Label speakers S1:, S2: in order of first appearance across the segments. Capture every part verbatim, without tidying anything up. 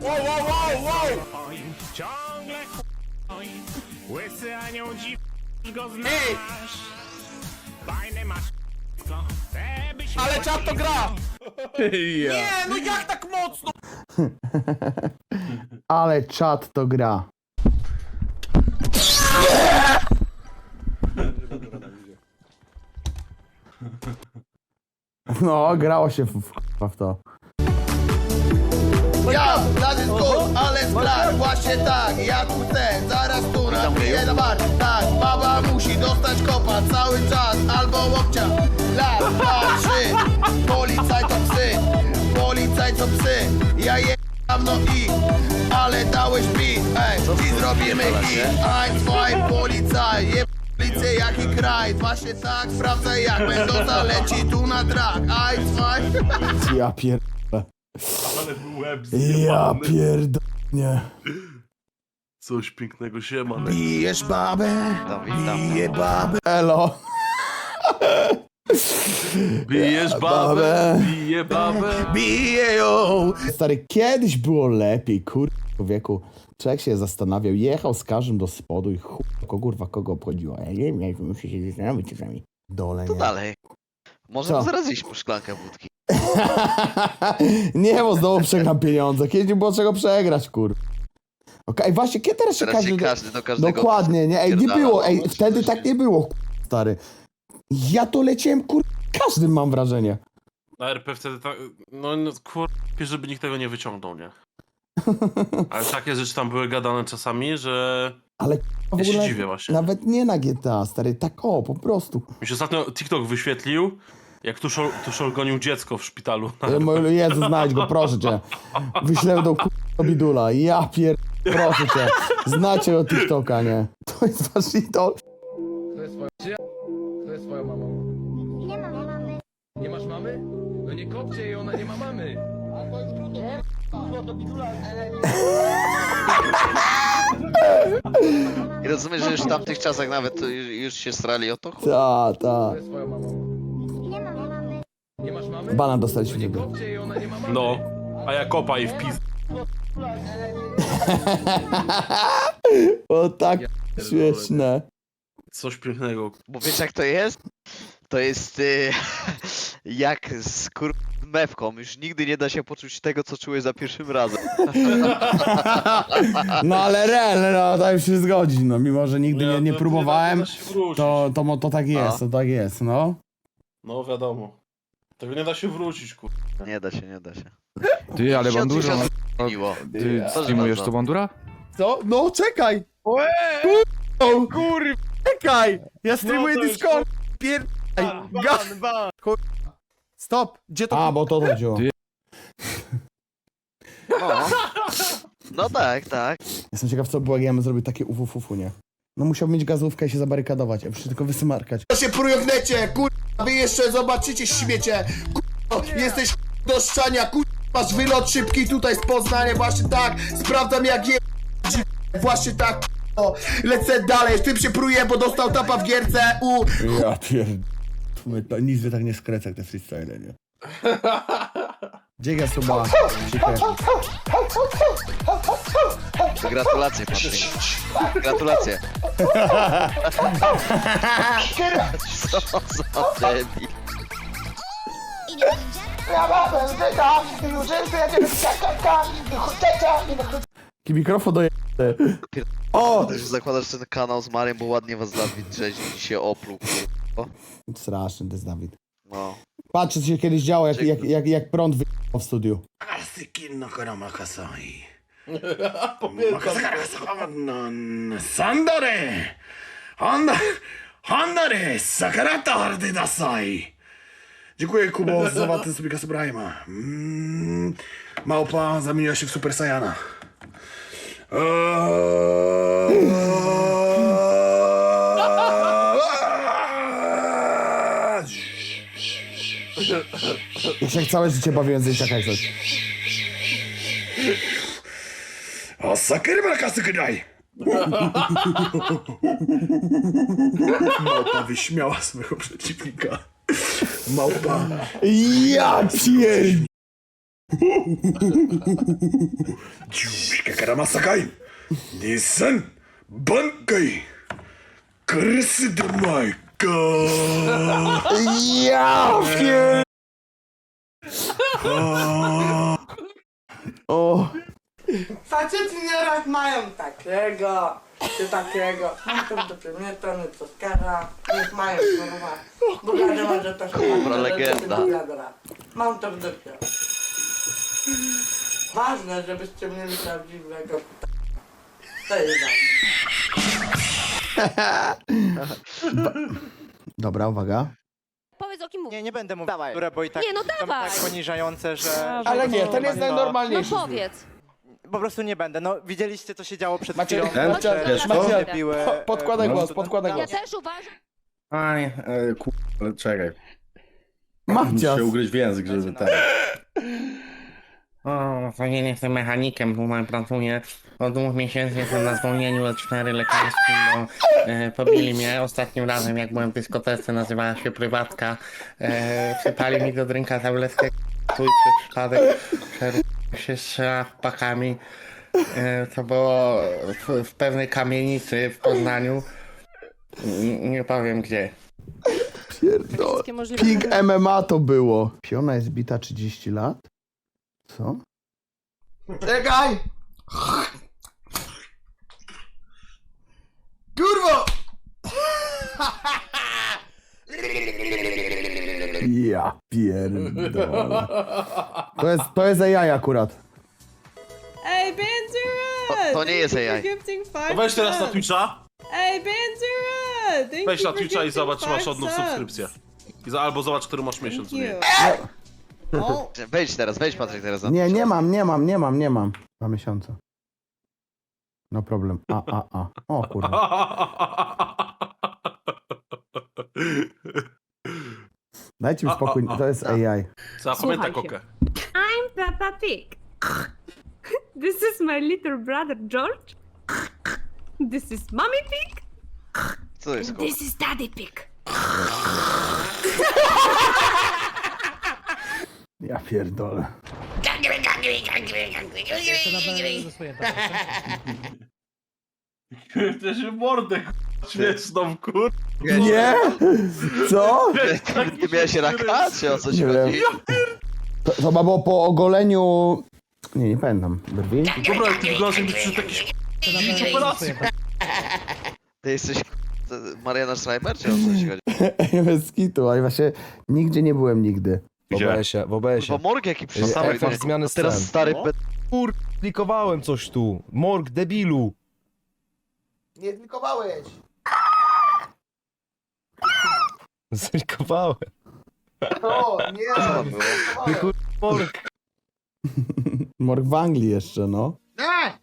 S1: Wow, wow, wow, wow!
S2: Oj, ciągle oj, łysy anioł dziw go znasz.
S1: Ej!
S2: Fajne masz co, chcę byś
S1: Ale
S2: mi
S1: czat to gra!
S3: Ja.
S1: Nie, no jak tak mocno?
S4: Ale czat to gra. No, grało się w, w, w to.
S5: Ja, lat jest good, ale sklar, właśnie tak, ja tu chcę, zaraz tu napiję na bar. Tak, baba musi dostać kopa cały czas, albo łokcia. Lat, dwa, trzy, policaj to psy, policaj to psy, ja jebam no i, ale dałeś beat, ej, dziś zrobimy hit. Ein, zwei, policaj, jeb... Policję jaki kraj, właśnie tak, sprawdzaj jak Mendoza leci tu na track. Ein, zwei...
S4: Ja pier...
S3: Ale był łeb
S4: Ja
S3: zjebany.
S4: pierdolnie.
S3: Coś pięknego się ma.
S5: Bijesz babę, bije babę.
S4: Elo.
S3: Bijesz babę,
S4: Babę.
S3: bije babę.
S5: Bije ją!
S4: Stary, kiedyś było lepiej, kurwa, człowieku. Człowiek się zastanawiał, jechał z każdym do spodu i chuj, kurwa, kogo obchodziło. Ja nie wiem, muszę się zastanowić czasami. Dole,
S6: To
S4: nie.
S6: dalej. Możemy
S4: Co?
S6: zaraz iść po szklankę wódki.
S4: Nie, bo znowu przegram pieniądze. Kiedyś było czego przegrać, kurwa. Okej, właśnie, kiedy teraz się
S6: Teraz się
S4: każdy...
S6: każdy do każdego...
S4: Dokładnie, nie? Ej, nie
S6: pierdala,
S4: było,
S6: no,
S4: ej,
S6: czy
S4: wtedy
S6: coś
S4: tak
S6: nie-
S4: nie było, kurwa, stary. Ja to leciałem, kurwa, każdym mam wrażenie.
S3: Na R P wtedy tak, no, no kurwa, żeby nikt tego nie wyciągnął, nie? Ale takie rzeczy tam były gadane czasami, że
S4: Ale w
S3: ja się
S4: ogóle
S3: dziwię właśnie.
S4: nawet nie na G T A, stary, tak o, po prostu.
S3: Mi się ostatnio TikTok wyświetlił, jak Tuszol, Tuszol gonił dziecko w szpitalu.
S4: E, Mój Jezu, znajdź go, proszę cię. Wyślę do k***a bidula. Ja pier... Proszę cię. Znacie o TikToka, nie? To jest wasz idol.
S7: To jest twoja czy- To jest twoją mamą.
S8: Nie mam mamy.
S7: Nie masz mamy? No nie kopcie jej, ona nie ma mamy.
S6: I rozumiesz, że już w tamtych czasach nawet to już, już się strali o to? Chuj.
S4: Ta, ta.
S7: To jest twoją mamą.
S8: Nie mam mamy.
S7: Nie masz mamy?
S4: Banan
S7: No
S4: dostaliśmy
S7: nie
S4: niby.
S7: kopcie jej, ona nie ma mamy.
S3: No, a ja kopa i wpis.
S4: O tak śmieszne.
S3: Coś pięknego.
S6: Bo wiesz jak to jest? To jest y, jak z kur... mewką. Już nigdy nie da się poczuć tego, co czułeś za pierwszym razem.
S4: No ale real, no to już się zgodzi, no mimo, że nigdy nie, nie
S3: to
S4: próbowałem,
S3: Nie da, nie da się wrócić.
S4: to, to, mo- to tak jest, to tak jest, no.
S3: No wiadomo. Tego nie da się wrócić, kurwa.
S6: Nie da się, nie da się.
S9: Ty, ale
S6: Się od
S9: bandura,
S6: tysiąca zmieniło.
S9: ty
S6: Proszę
S9: streamujesz
S6: bardzo.
S9: to bandura?
S4: Co? No czekaj! Kurwa! Kurwa! Czekaj! Ja streamuję
S3: No to już,
S4: Discord! Pier... Ga... Stop! Gdzie to... A, bo to chodziło.
S9: Ty-
S6: No. No tak, tak.
S4: Jestem ciekaw, co było, jak ja bym zrobił takie ufufufu, nie? No musiał mieć gazówkę i się zabarykadować, a przecież tylko wysmarkać.
S5: To się prujągnecie, kurwa, wy jeszcze zobaczycie śmiecie, kurwa, jesteś do szczania, kurwa, masz wylot szybki tutaj z Poznania, właśnie tak, sprawdzam jak je... właśnie tak, kurwa, lecę dalej, tym się pruje, bo dostał tapa w gierce, u...
S4: Ja pierd... Nic by tak nie skreca jak te freestyle, nie? Dziękuję, suba. Dziękuję.
S6: Gratulacje, Patryk. Gratulacje. Co za debil.
S4: Taki mikrofon do O!
S6: Że zakładasz ten kanał z Mariem, bo ładnie was Dawid drzeźni i się opluł. kurwa.
S4: Straszny to jest Dawid.
S6: No.
S4: Patrz, co się kiedyś działo, jak, jak, jak, jak prąd wyjechał w studiu.
S2: Sandore! Honda! Hondare! Sakarata hardy dasai! Dziękuję Kubo za watę sobie Subrajma. Mm, małpa zamieniła się w Super Saiyana.
S4: Ja się jak całe życie bawiłem z dzieciaka jak coś.
S2: A sakery marakasu kudai! Małpa wyśmiała swojego przeciwnika. Małpa.
S4: Ja pierd...
S2: Dziuszka karamasakai. Nissan Bankai. Krysy do Majka.
S4: Ja pier... O,
S9: Faceci nieraz mają takiego, czy takiego. Mam to do przedmiotu, nie to skara. Niech mają, kurwa. Bo wiadomo, że to są
S6: Dobra, legenda.
S9: Mam to w dupie. Ważne, żebyście mieli prawdziwego p***a. To jest ważne.
S4: dobra, uwaga.
S10: Powiedz o kim mówisz.
S11: Nie, nie będę mówił, które, bo i tak
S10: Nie, no
S11: są
S10: dawaj.
S11: tak poniżające, że...
S4: Ale nie, ten jest
S10: No
S4: najnormalniejszy.
S10: powiedz.
S11: Po prostu nie będę. No, widzieliście, co się działo przed
S4: Macie-
S11: chwilą.
S4: Macie-
S11: że- że
S4: Macie-
S11: się biły,
S4: po- podkładaj
S11: e,
S4: głos,
S11: po-
S4: podkładaj
S10: Ja
S4: głos.
S10: też uważam.
S12: A nie, e, ku... ale czekaj.
S4: Mamcias.
S12: Muszę ugryźć w język, żeby tak. O, to nie jestem mechanikiem, tutaj pracuję. Od dwóch miesięcy jestem na zwolnieniu L cztery lekarskim, bo e, pobili mnie ostatnim razem, jak byłem w dyskotece, nazywała się Prywatka. E, Wsypali mi do drinka tabletkę, twój przez przypadek przerósł się strzela pakami. E, to było w, w pewnej kamienicy w Poznaniu. N- nie powiem gdzie.
S4: Pierdol.
S10: Wszystkie możliwe.
S4: Ping M M A to było. Piona jest bita trzydzieści lat? Co?
S5: Czekaj! Kurwo!
S4: Ja pierdolę. To jest, to jest A I akurat.
S10: Ej,
S6: To,
S10: Benjura!
S6: to nie jest A I.
S3: No weź teraz na Twitcha,
S10: Ej, Benjura!
S3: weź na Twitcha i zobacz, czy masz od nów subskrypcję. I za, albo zobacz, który masz miesiąc. Nie.
S6: Wejdź teraz, wejdź Patryk teraz na
S4: Nie, nie mam, nie mam, nie mam, nie mam. Dwa miesiące. No problem. A, a, a. O kurwa. Dajcie mi spokój, to jest A I.
S3: Zapamiętaj kokę.
S8: I'm Peppa Pig. This is my little brother George. This is Mommy Pig.
S6: Co jest kurwa?
S8: This is Daddy Pig.
S4: Ja pierdolę.
S3: Też mordę śmieszną, kur...
S4: Nie? Co?
S6: Nie miałeś raka, czy o coś
S4: Nie wiem.
S6: chodzi?
S4: To, to chyba było po ogoleniu... Nie, nie pamiętam. Brwi?
S3: Dobra, jak ty wyglądasz jakbyś przyszedł jakiś operacji.
S6: Ty jesteś to Mariana Schreiber, czy o co ci chodzi?
S4: Bez kitu, ale właśnie nigdzie nie byłem nigdy.
S3: W
S12: obesie, w obesie.
S6: Bo morg jaki przyszedł.
S12: Efekt zmiany scen.
S6: Teraz stary
S12: No.
S6: pe...
S12: Kur... klikowałem coś tu. Morg, debilu.
S5: Nie klikowałeś!
S12: Zlikowałem.
S5: O, nie!
S6: Co tam było?
S12: Ty kur... morg.
S4: Morg w Anglii jeszcze, no.
S5: Nie!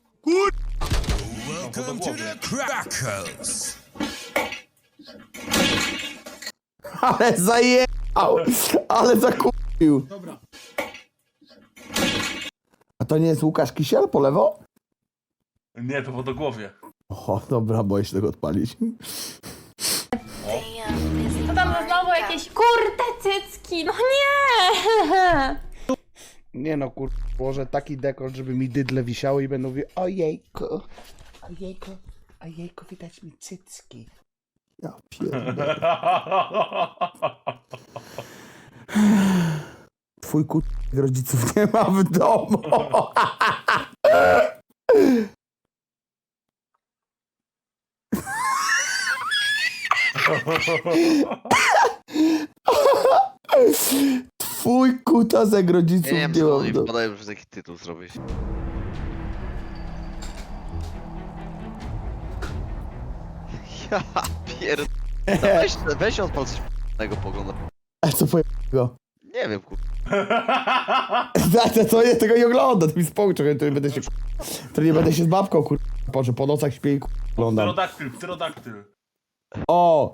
S4: Ale zajechał! Ale zakupił!
S5: Dobra.
S4: A to nie jest Łukasz Kisiel po lewo?
S3: Nie, to wodogłowie.
S4: O, dobra, boję się tego odpalić.
S8: To tam znowu jakieś kurde cycki. No nie!
S4: Nie no, kur... Położę taki dekolt, żeby mi dydle wisiały i będą mówić ojejku, ojejku, ojejku, widać mi cycki. Ja pierdolę. Twój kut rodziców nie ma w domu. Twój kutasek rodziców
S6: Ja nie wiem,
S4: nie
S6: co
S4: ma
S6: oni
S4: w domu.
S6: wpadają, żeby taki tytuł zrobić. Ja pierd... No weź, weź odpal coś p***nego pogląda.
S4: A co pojego?
S6: Nie wiem, kur...
S4: To, to ja tego nie oglądam, to mi spokój, to nie będę się to nie będę się z babką kur... Boże, po nocach śpię i kur... oglądam.
S3: Pterodaktyl, pterodaktyl.
S4: O!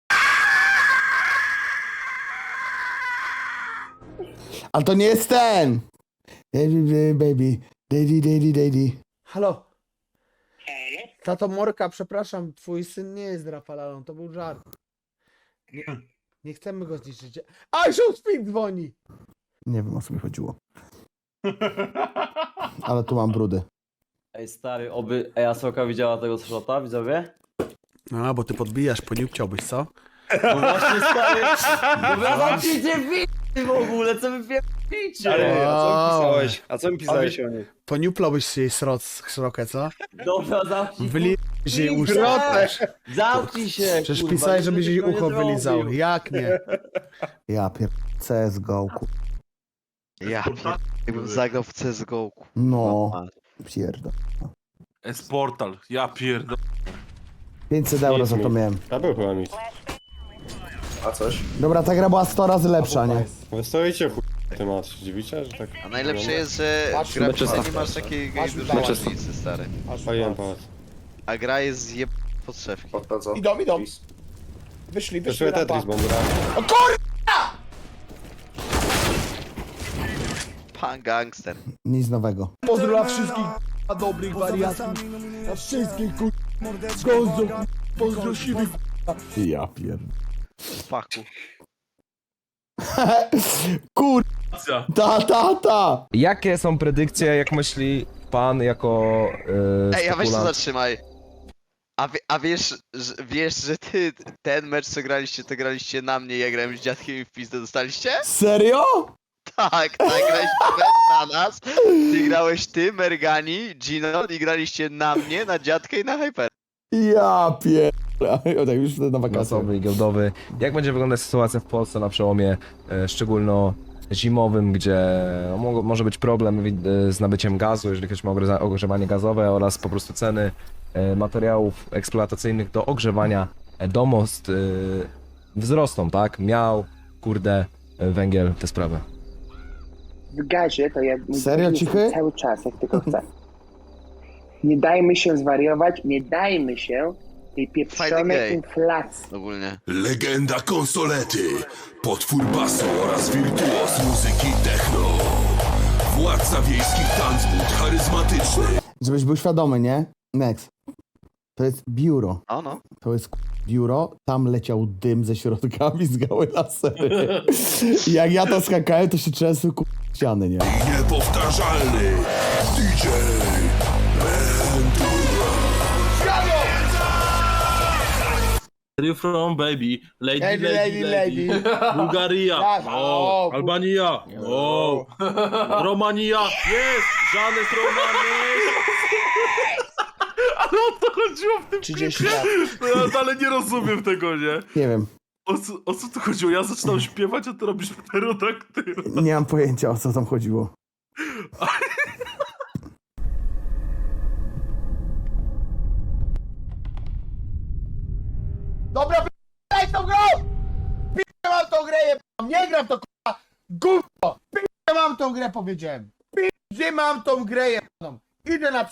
S4: Ale to nie jest ten! Baby, baby, daddy, daddy, daddy. Halo? Tato Morka, przepraszam, twój syn nie jest Rafalalą, to był żart. Nie, nie chcemy go zniszczyć. A, Show Speed dzwoni! Nie wiem, o co mi chodziło. Ale tu mam brudy.
S7: Ej stary, oby Easoka widziała tego szota, widzowie?
S2: No, bo ty podbijasz, poniupciałbyś, co?
S7: No właśnie stary, no zamknijcie w***y w ogóle, co wy pierdolicie?
S4: a co mi pisałeś?
S7: A co mi pisałeś o niej?
S2: Poniuplałbyś jej sroc, srokę, co?
S7: Dobra, zamknij
S2: Wyliżesz jej uszy.
S7: Zamknij się,
S2: Przecież
S7: kurwa,
S2: pisałeś,
S7: nic
S2: żebyś jej
S7: takiego nie
S2: ucho
S7: zrobił.
S2: wylizał. Jak nie?
S4: Ja pier... C S G O, ku...
S6: Ja pier... Jakbym zagrał w C S G O.
S4: No, pierdol.
S3: S-Portal, ja pierdolę.
S4: pięćset euro za to miałem.
S7: A był chyba mit. A coś?
S4: Dobra, ta gra była sto razy lepsza, nie?
S7: Wy stoicie chuj temat, dziwicie, że tak...
S6: A najlepsze jest, że w grafice nie masz takiej dużej różnicy, stary.
S7: Paliłem pałac.
S6: A gra jest zjeb podszewki.
S2: Idą, idą. Wyszli,
S7: Wyszły Tetris, bo gra.
S6: Pan gangster.
S4: Nic nowego.
S2: Pozdro dla wszystkich a dobrych wariatów. Dla wszystkich kur... Gonzo, pozdro siwych.
S4: Ja pierd...
S6: Faku.
S4: Kur... Ta, ta, ta!
S7: Jakie są predykcje, jak myśli pan jako yy,
S6: Ej, a weź to zatrzymaj. A, wie, a wiesz, że, wiesz, że ty ten mecz co graliście, to graliście na mnie, ja grałem z dziadkiem i w pizdę dostaliście?
S4: Serio?
S6: Tak, tak, graliście mecz na nas. Ty grałeś ty, Mergani, Gino i graliście na mnie, na dziadkę i na Hyper.
S4: Ja pierd... O tak, już wtedy na wakacje.
S7: klasowy i giełdowy. Jak będzie wyglądać sytuacja w Polsce na przełomie e, szczególno zimowym, gdzie no, mo może być problem e, z nabyciem gazu, jeżeli ktoś ma ogrze- ogrzewanie gazowe oraz po prostu ceny e, materiałów eksploatacyjnych do ogrzewania e, domostw e, wzrosną, tak? Miał, kurde, e, węgiel, te sprawy.
S11: W gazie to ja
S4: Serio, cichy?
S11: cały czas, jak tylko chcę. Nie dajmy się zwariować, nie dajmy się tej
S6: Fajny
S11: pieprzonej
S6: gej.
S11: inflacji.
S6: Ogólnie.
S13: Legenda konsolety, potwór basu oraz wirtuos muzyki techno. Władca wiejskich tanzbut, charyzmatyczny.
S4: Żebyś był świadomy, nie? Next. To jest biuro.
S6: O no.
S4: To jest k- biuro, tam leciał dym ze środkami z gały lasery. I jak ja to skakałem, to się trzęsły k- ściany, nie?
S13: Niepowtarzalny D J Ventura.
S3: Where you from, baby? Lady,
S2: Lady,
S3: lady,
S2: lady,
S3: lady. Bułgaria.
S2: Tak,
S3: O,
S2: o,
S3: Albania. O, Romania. Jest! Żanek Romanek. Ale o to chodziło w tym
S2: trzydzieści
S3: klipie.
S2: lat.
S3: No ja dalej nie rozumiem tego, nie?
S4: Nie wiem.
S3: O co, o co tu chodziło? Ja zaczynam śpiewać, a ty robisz pterodaktyl.
S4: Nie mam pojęcia, o co tam chodziło.
S2: Dobra, p***aj tą grą! P***aj mam tą grę, jebam. Nie gram to k***a. Gówno! P***aj mam tą grę, powiedziałem. P***aj mam tą grę, jebam. Idę na...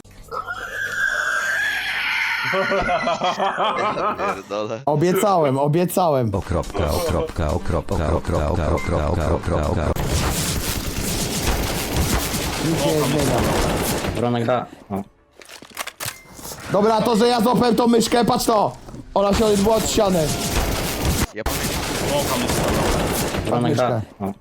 S6: Pierdolę.
S4: Obiecałem, obiecałem.
S13: Okropka, okropka, okropka, okropka, okropka, okropka.
S4: Nic się nie zmienia.
S12: Bronek da.
S4: Dobra, to, że ja złapałem tą myszkę, patrz to! Ona się odbyła od ściany.
S6: Ja pamiętam.
S12: Bronek
S4: da.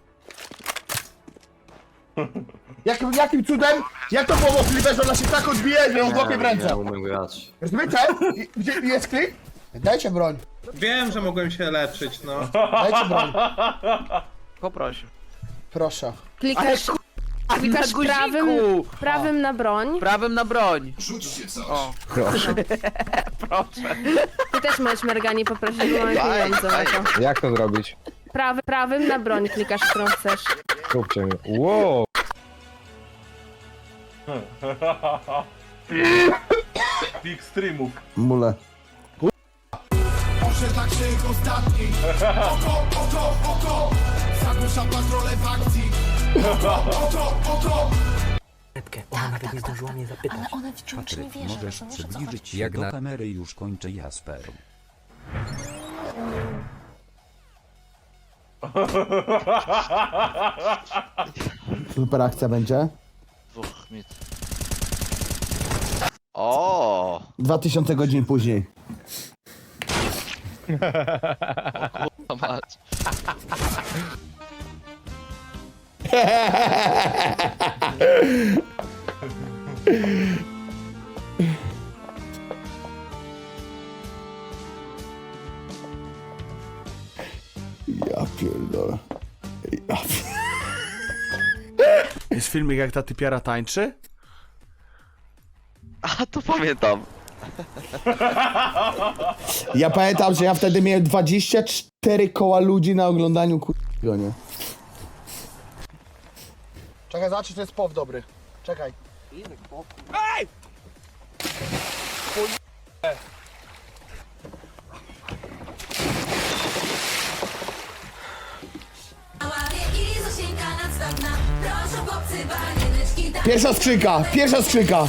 S2: Jakim, jakim cudem? Jak to było możliwe, że ona się tak odbije, że ją złapie w ręce?
S7: umiem grać.
S2: Rozumiecie? I- Gdzie jest klik? Dajcie broń.
S7: Wiem, że mogłem się leczyć, no.
S2: Dajcie broń.
S6: Poproszę.
S2: Proszę.
S10: Klikasz, klikasz prawym, prawym na broń.
S9: Prawym na broń.
S4: Proszę.
S10: Ty też możesz Mergani poprosić, bo mamy
S6: Daj,
S10: pieniądze na
S6: daj.
S10: to.
S7: Jak to zrobić?
S10: Prawy, prawym na broń klikasz, którą chcesz.
S7: Kupcie mi. Wow!
S3: Big streamów.
S4: Mule.
S13: Osiedlak się ostatni. Oko, oko, oko. Zagłusza patrole w akcji. Oko, oko, oko.
S9: Ona nawet nie zdążyła mnie zapytać.
S10: Ale ona wciąż nie wie, że
S13: Możesz przybliżyć się do kamery, już kończę Jasper.
S4: Super akcja będzie.
S6: Dwóch mit. O,
S4: Dwa tysiące godzin później.
S6: to mać.
S4: Ja pierdolę. Ja pierdolę. Jest filmik, jak ta typiara tańczy?
S6: A, to pamiętam.
S4: Ja pamiętam, że ja wtedy miałem dwadzieścia cztery koła ludzi na oglądaniu k***go, nie? Czekaj, zobacz, czy to jest pow dobry. Czekaj. Ej! Pierwsza skrzynka, pierwsza skrzynka.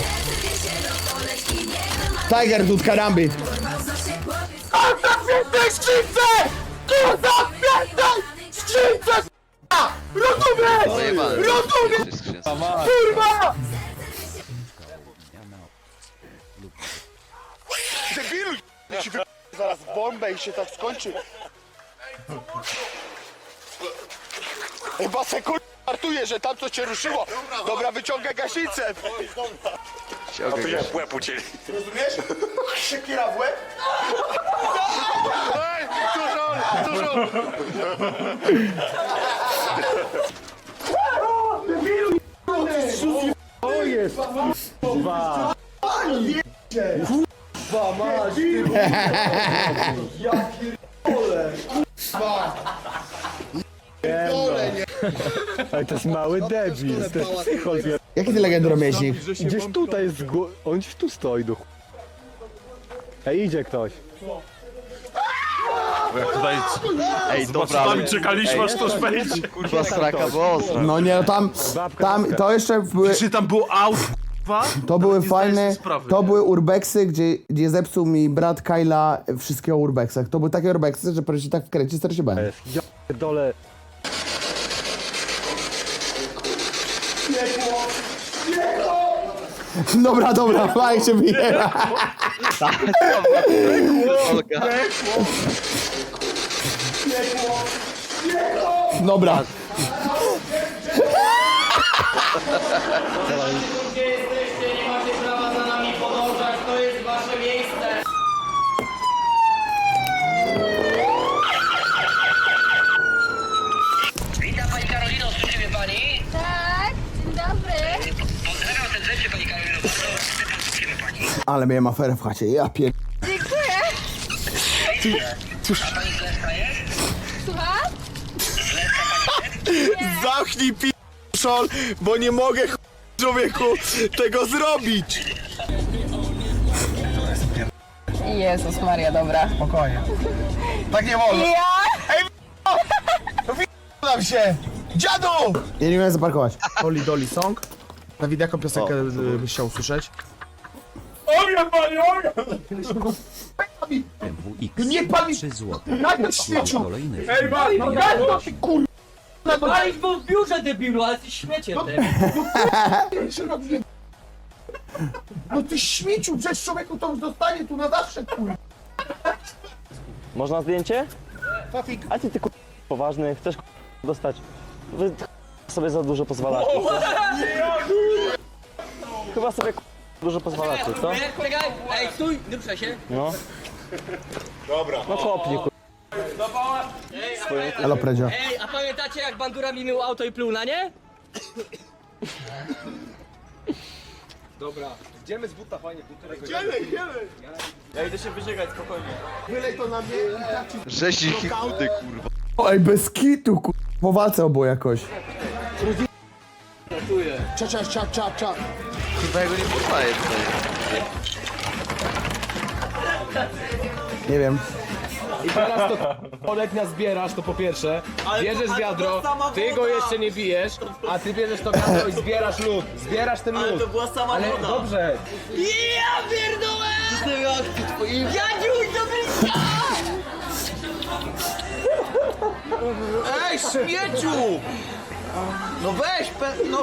S4: Tiger Dude Karambit.
S13: Kurwa w tej skrzynce! Kurwa w tej skrzynce! Rozumiesz! Rozumiesz! Kurwa!
S4: Debilu, ci wy... zaraz bombę i się tak skończy. Chyba se kur... żartuję, że tam coś cię ruszyło. Dobra, wyciągaj gaśnicę.
S6: A to
S4: w łeb ucięli. Rozumiesz? Siekiera w łeb. Ej, dużo, dużo. O jest. Kurwa. Kurwa, masz. Ja pierdolę. Pierdolę, nie.
S14: Ale to jest mały debil, to jest psychol.
S4: Jaki ty legendoromieśnik?
S14: Gdzieś tutaj jest, gło- on gdzieś tu stoi, do ch... Ej, idzie ktoś.
S3: Bo jak tutaj
S6: Ej,
S3: z
S6: dobra,
S3: baczkami
S6: ale-
S3: czekaliśmy,
S6: ej,
S3: aż to wejdzie.
S6: Kurwa, straka była ostra.
S4: No nie, no tam, tam, to jeszcze były,
S3: Czy tam było aut, k***wa?
S4: to były
S3: nie zdajesz
S4: fajne,
S3: sobie sprawy,
S4: to
S3: nie?
S4: były urbexy, gdzie, gdzie zepsuł mi brat Kyla wszystkie o urbexach. To były takie urbexy, że proszę się tak wkręcić, stary się bałem.
S14: Ja pierdolę.
S4: Dobra, dobra, fajnie się bije. Dobra.
S13: Gdzie jesteście? Nie macie prawa za nami podążać, to jest wasze miejsce! Witam pani Karolino, słyszy mnie pani?
S10: Tak, dzień dobry.
S13: Pozdrawiam serdecznie pani Karolino, bardzo słyszymy pani.
S4: Ale miałem aferę w chacie, ja pier...
S10: Dziękuję.
S13: A pani Zleska jest?
S10: Słucham?
S4: Zamknij p***szol, bo nie mogę ch... człowieku tego zrobić.
S10: Jezus Maria, dobra.
S4: Spokojnie. Tak nie wolno.
S10: Ja?
S4: Ej, się! Dziadu! Ja nie umiem zaparkować. Oli Dolly Song. Dawid, jaką piosenkę y, byś chciał usłyszeć?
S1: Ogień, panie, ogień!
S4: Nie pan mi... Na świeciu!
S1: Ej, man, no
S13: Gaz to się kur... Ale był w biurze debilu, ale ty śmiecie ty.
S4: No ty śmieciu, przecież człowieku to już zostanie tu na zawsze, kur...
S14: Można zdjęcie?
S4: Fafik.
S14: A ty ty kur... poważny, chcesz kur... dostać? Wy sobie za dużo pozwalacie. Chyba sobie kur... dużo pozwalacie, co?
S13: Czekaj, ej, stój, nie ruszaj się.
S14: No. Dobra. No kopnij kur...
S4: Halo, Predzio.
S13: Ej, a pamiętacie jak Bandura mi mył auto i pluł na nie?
S4: Wylej to na mnie i tak ci...
S6: Rzeźnik i chudy, kurwa.
S4: Oj, bez kitu, kur... Po walce obu jakoś. Cza, cza, cza, cza, cza.
S6: Kurwa, ja go nie poznaję tutaj.
S4: Nie wiem.
S14: I teraz to Olek nas zbierasz, to po pierwsze. Bierzesz wiadro, ty go jeszcze nie bijesz, a ty bierzesz to wiadro i zbierasz lód. Zbierasz ten lód. Ale to była sama Ale woda. Dobrze.
S13: Ja pierdolę! Jadziuś do bliska!
S5: Ej, śmieciu! No weź, pe... no...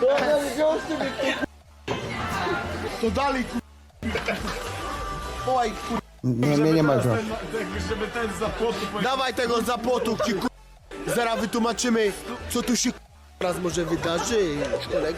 S4: To dalej, kur... Oj, kur... Nie, nie, nie ma co.
S1: Żeby ten za płotu...
S4: Dawaj tego zapłotu, ci kur... Zaraz wytłumaczymy, co tu się
S5: raz może wydarzyć, kolego.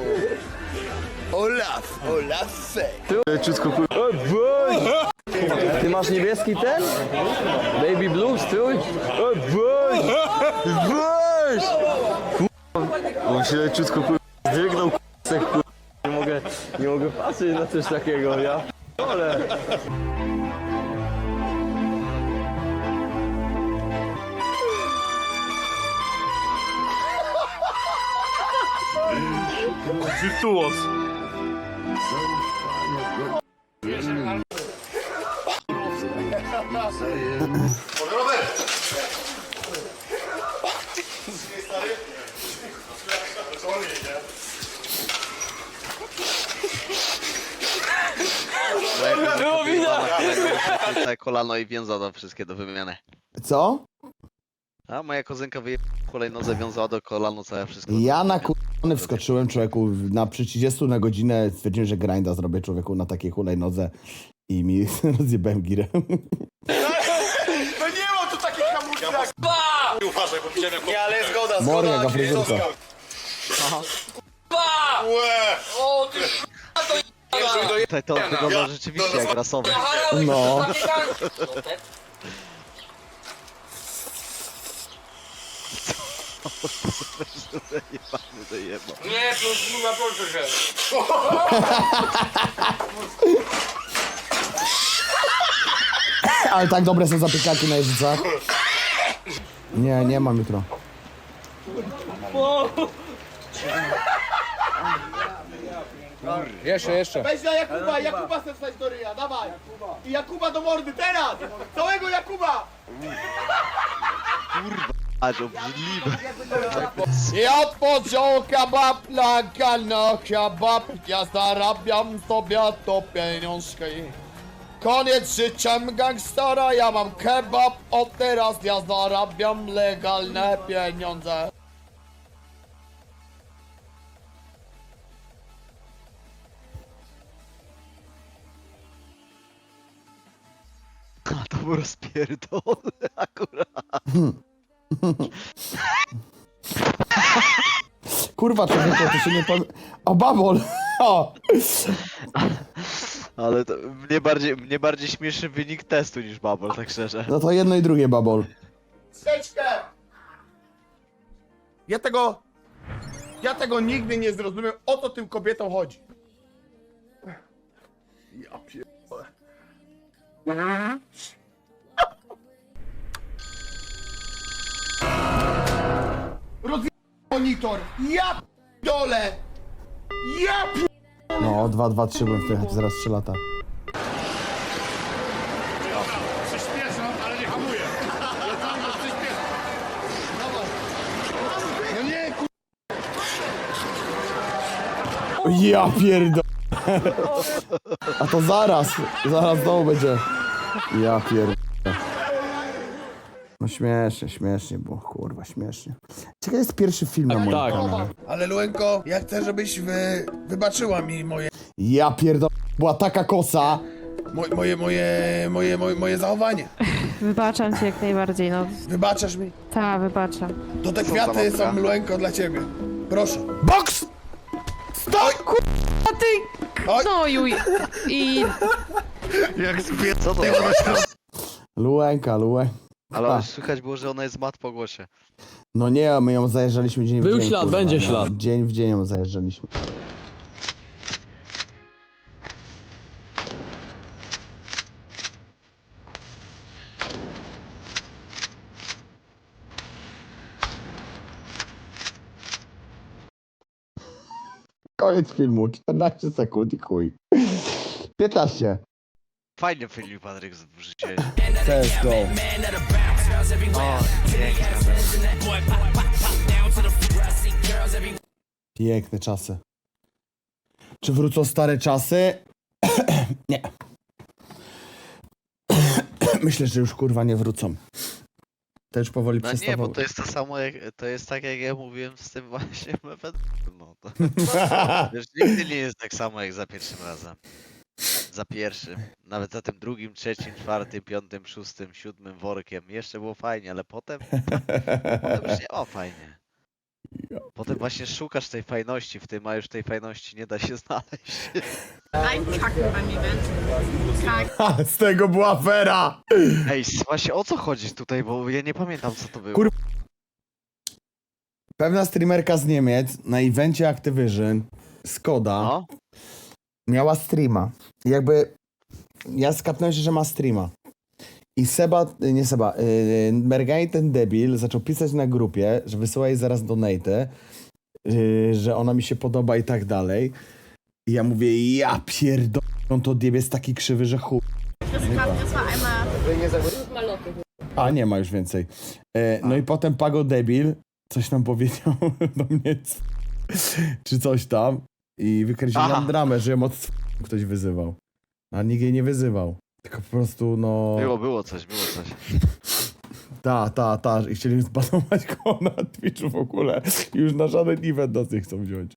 S5: Olaf, Olafie.
S14: Leciutko kur... O, boj! Ty masz niebieski ten? Baby blue strój? O, boj! Boj! On się leciutko kur... zdrygnął k***sek kur... Nie mogę, nie mogę patrzeć na coś takiego, ja... Ale...
S3: Wirtuos.
S6: Było widać! Kolano i wiązadła wszystkie do wymiany.
S4: Co?
S6: A moja kozynka wyjechała hulajnodze, wiązała do kolano całe wszystko.
S4: Ja na kurwany wskoczyłem człowieku na przy trzydziestu na godzinę, stwierdziłem, że grinda zrobię człowieku na takiej hulajnodze i mi rozjebałem girę.
S5: No nie ma tu takich hamulców. Ba! Uważaj, bo widziałem jak... Nie, ale zgoda, zgoda.
S4: Morga, jaka fryzurka.
S5: Ba! Łe! O, ty
S6: Tutaj to wygląda rzeczywiście jak rasowy.
S4: No.
S1: Nie, to już na proszę się.
S4: Ale tak dobre są zapiekaki na jeźdźcach. Nie, nie mam jutro.
S14: Jeszcze, jeszcze.
S5: Weź na Jakuba, Jakuba chcę wstać do ryja, dawaj! I Jakuba do mordy, teraz! Całego Jakuba!
S6: Aż obrzydliwe.
S5: Ja powiedział kebab na galno kebab, ja zarabiam sobie to pieniążki. Koniec życiem gangstera, ja mam kebab, od teraz ja zarabiam legalne pieniądze.
S6: A to był rozpierdol akurat.
S4: Kurwa człowieku, to się nie pamię... O, babol! O!
S6: Ale to mnie bardziej, mnie bardziej śmieszy wynik testu niż Bubble, tak szczerze.
S4: No to jedno i drugie babol.
S5: Seczkę! Ja tego... Ja tego nigdy nie zrozumiem, o co tym kobietom chodzi. Ja pierdolę. Rozwijam monitor! Ja dole! Ja pi...
S4: No, dwa, dwa, trzy bym wjechać zaraz trzy lata.
S5: Przyspieszam, ale nie hamuję. Ja cały czas przyspieszam. Dawaj. No nie, ku...
S4: Ja pierdol. A to zaraz, zaraz znowu będzie. Ja pierdol. No śmiesznie, śmiesznie było, kurwa, śmiesznie. Ciekawe jest pierwszy film na moim
S14: tak.
S4: kanale.
S5: Ale Luenko, ja chcę, żebyś wy... wybaczyła mi moje...
S4: Ja pierdol. Była taka kosa.
S5: Moje, moje, moje, moje, moje, moje zachowanie.
S10: Wybaczam ci jak najbardziej, no.
S5: Wybaczasz mi?
S10: Tak, wybaczam.
S5: To te kwiaty są, Luenko, dla ciebie. Proszę.
S4: Boks!
S5: Stop!
S10: A ty gnoju i... i...
S6: Jak spie... Co to?
S4: Luenka, Luenka.
S6: Ale słychać było, że ona jest mat po głosie.
S4: No nie, my ją zajeżdżaliśmy dzień w
S14: Był
S4: dzień.
S14: ślad,
S4: kurwa,
S14: będzie
S4: no.
S14: ślad.
S4: Dzień w dzień ją zajeżdżaliśmy. Koniec filmu, czternaście sekund i chuj. piętnaście.
S6: Fajnie Filip Patryk wrzuciłeś.
S4: C S G O.
S6: O,
S4: Piękne czasy. Czy wrócą stare czasy? Nie. Myślę, że już kurwa nie wrócą. To już powoli
S6: no nie,
S4: przestawały.
S6: bo to jest to samo jak, to jest tak jak ja mówiłem z tym właśnie mefedem, no to... Wiesz, nigdy nie jest tak samo jak za pierwszym razem. Za pierwszym. Nawet za tym drugim, trzecim, czwartym, piątym, szóstym, siódmym workiem. Jeszcze było fajnie, ale potem... potem już nie było fajnie. Potem właśnie szukasz tej fajności w tym, a już tej fajności nie da się znaleźć.
S8: I'm talking about event.
S4: Ha, z tego była afera!
S6: Ej, właśnie o co chodzi tutaj, bo ja nie pamiętam co to było.
S4: Kur- Pewna streamerka z Niemiec na evencie Activision, Skoda,
S6: No.
S4: miała streama. I jakby ja skapnąłem się, że ma streama. I Seba, nie Seba, yy, Mergani ten debil zaczął pisać na grupie, że wysyła jej zaraz donate, yy, że ona mi się podoba i tak dalej. I ja mówię, ja pierdolę, on to odjebie jest taki krzywy, że chuj. A, nie ma już więcej. E, no i potem Pago debil coś nam powiedział do mnie, c- czy coś tam i wykręcił
S6: Aha.
S4: nam dramę, że ją od c- ktoś wyzywał. A nikt jej nie wyzywał. Tylko po prostu, no...
S6: Było, było coś, było coś.
S4: Ta, ta, ta. I chcieli zbanować go na Twitchu w ogóle. I już na żaden event nas nie chcą wziąć.